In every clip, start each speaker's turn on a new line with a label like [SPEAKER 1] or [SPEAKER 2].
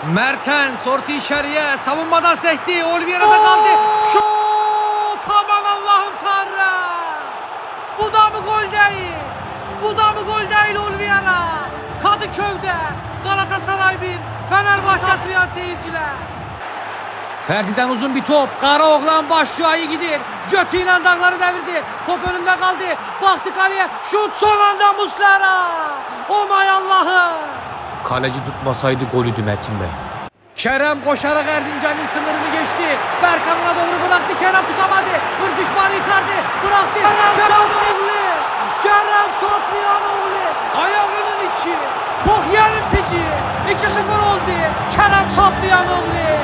[SPEAKER 1] Mertens orta içeriye savunmadan sekti. Oliveira'da kaldı. Şut! Aman Allah'ım Tanrım! Bu da mı gol değil? Bu da mı gol değil Oliveira? Kadıköy'de Galatasaray 1, Fenerbahçe suyan seyirciler. Ferdi'den uzun bir top. Karaoğlan başlıyor, iyi gidiyor. Götüyle dağları devirdi. Top önünde kaldı. Baktı kaleye. Şut son anda Muslera. Oh my Allah'ım. Kaleci tutmasaydı golüydü Metin Bey. Kerem koşarak Erzincan'ın sınırını geçti. Berkan'ına doğru bıraktı. Kerem tutamadı. Hız düşmanı Icardi bıraktı. Kerem oğlu. Kerem Sopliyanoğlu. Ayağının içi. Bokyan'ın pici. 2-0 oldu. Kerem Sopliyanoğlu.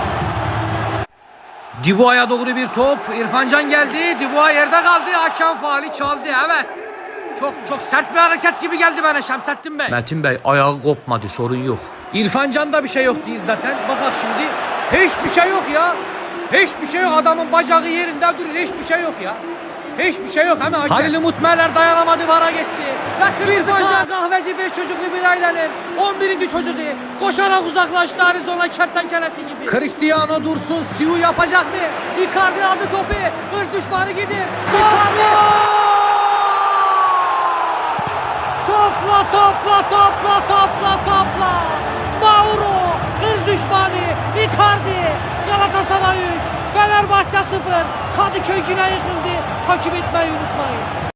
[SPEAKER 1] Dubois'a doğru bir top. İrfan Can geldi. Dubois yerde kaldı. Hakem faali çaldı. Evet. Çok sert bir hareket gibi geldi bana Şemsettin Bey. Metin Bey ayağı kopmadı, sorun yok. İrfan Can'da bir şey yok değil zaten. Bakak şimdi. Hiçbir şey yok ya. Hiçbir şey yok. Adamın bacağı yerinde duruyor. Hiçbir şey yok ya. Hiçbir şey yok. Hemen Halil Umut Meler dayanamadı, vara gitti. Ve İrfan Can kahveci 5 çocuklu bir ailenin 11. çocuğu koşarak uzaklaştı Arizona kertenkelesi gibi. Cristiano Dursun Siu yapacak mı? Icardi aldı topu. Hırs düşmanı gidiyor. Sopla. Mauro, hız düşmanı, Icardi, Galatasaray 3, Fenerbahçe 0, Kadıköy yine yıkıldı. Takip etmeyi unutmayın.